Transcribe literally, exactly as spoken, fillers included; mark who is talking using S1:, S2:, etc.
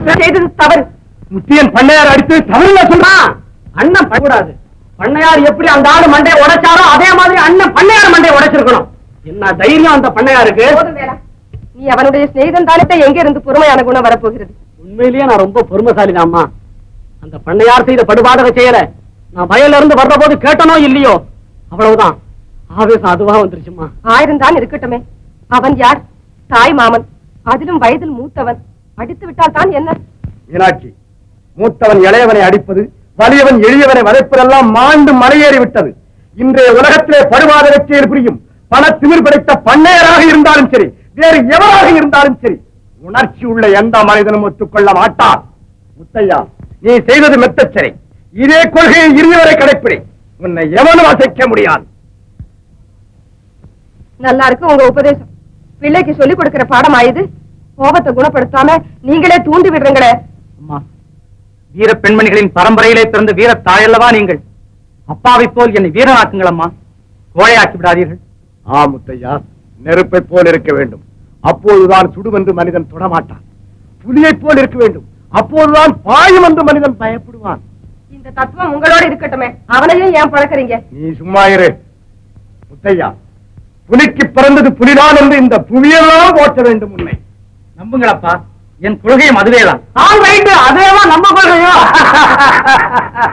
S1: செய்தது தவறு.
S2: முத்தியன் பண்ணையார் அடித்து தவறுல சொல்றான்.
S3: அண்ணன் பண்ணக்கூடாது. பண்ணையார் எப்படி அந்த ஆளு மண்டையை உடைச்சாரோ அதே மாதிரி அண்ணன் பண்ணையார் மண்டையை உடைச்சிருக்கணும். என்ன தைரியம் அந்த பண்ணையாருக்கு?
S1: நீ அவனுடைய சிநேகிதன் தானே, எங்க இருந்து பொறுமையான குணம் வரப்போகிறது?
S3: உண்மையிலேயே நான் ரொம்ப பொறுமைசாலி அம்மா. அந்த பண்ணையார் செய்த படுபாடக செய்யல. நான் வயல்ல இருந்து வர்ற போது கேட்டனோ இல்லையோ, அவ்வளவுதான் ஆவேசம் அதுவா வந்துருச்சுமா.
S1: ஆயிரம் தான் இருக்கட்டுமே, அவன் யார்? தாய் மாமன், அதிலும் வயதில் மூத்தவன். அடித்து விட்டால் தான் என்ன?
S2: மீனாட்சி, மூத்தவன் இளையவனை அடிப்பது, வலியவன் எளியவனை வதைப்பதெல்லாம் மாண்டு மலையேறி விட்டது. இன்றைய உலகத்திலே படுபாதக செயல் புரியும் பண திமிர் படைத்த பண்ணையராக இருந்தாலும் சரி, வேறு எவராக இருந்தாலும் சரி, உணர்ச்சி உள்ள எந்த மனிதனும் ஒத்துக்கொள்ள மாட்டார். முத்தையா, நீ செய்தது மெத்தச்சரி. இதே கொள்கையை இறுதிவரை கடைப்பிடி. உன்னை எவனும் அசைக்க முடியாது.
S1: நல்லா இருக்கு உங்க உபதேசம். பிள்ளைக்கு சொல்லிக் கொடுக்கிற பாடம் ஆயுது. கோபத்தை குணப்படுத்தாம நீங்களே தூண்டி விடுறீங்களே.
S3: அம்மா, வீர பெண்மணிகளின் பரம்பரையிலே பிறந்த வீர தாயல்லவா நீங்கள். அப்பாவை போல் என்னை வீரனாக்குங்கள் அம்மா, கோழையாக்கி விடாதீர்கள்.
S2: ஆ முத்தையா, நெருப்பை போல் இருக்க வேண்டும், அப்போதுதான் சுடுவென்று மனிதன் தொடமாட்டான். புலியை போல் இருக்க வேண்டும், அப்போதுதான் பாயும் என்று மனிதன் பயப்படுவான்.
S1: இந்த தத்துவம் உங்களோட இருக்கட்டுமே, அவனையும் ஏன் பழக்கிறீங்க?
S2: நீ சும்மா இரு. முத்தையா, புலிக்கு பிறந்தது புலிதான் என்று இந்த புவியெல்லாம் ஓட்ட வேண்டும். உன்னை
S3: நம்புங்களப்பா, என் கொள்கையும் அதுவேதான்.
S2: அதேவா நம்ம கொள்கையோ?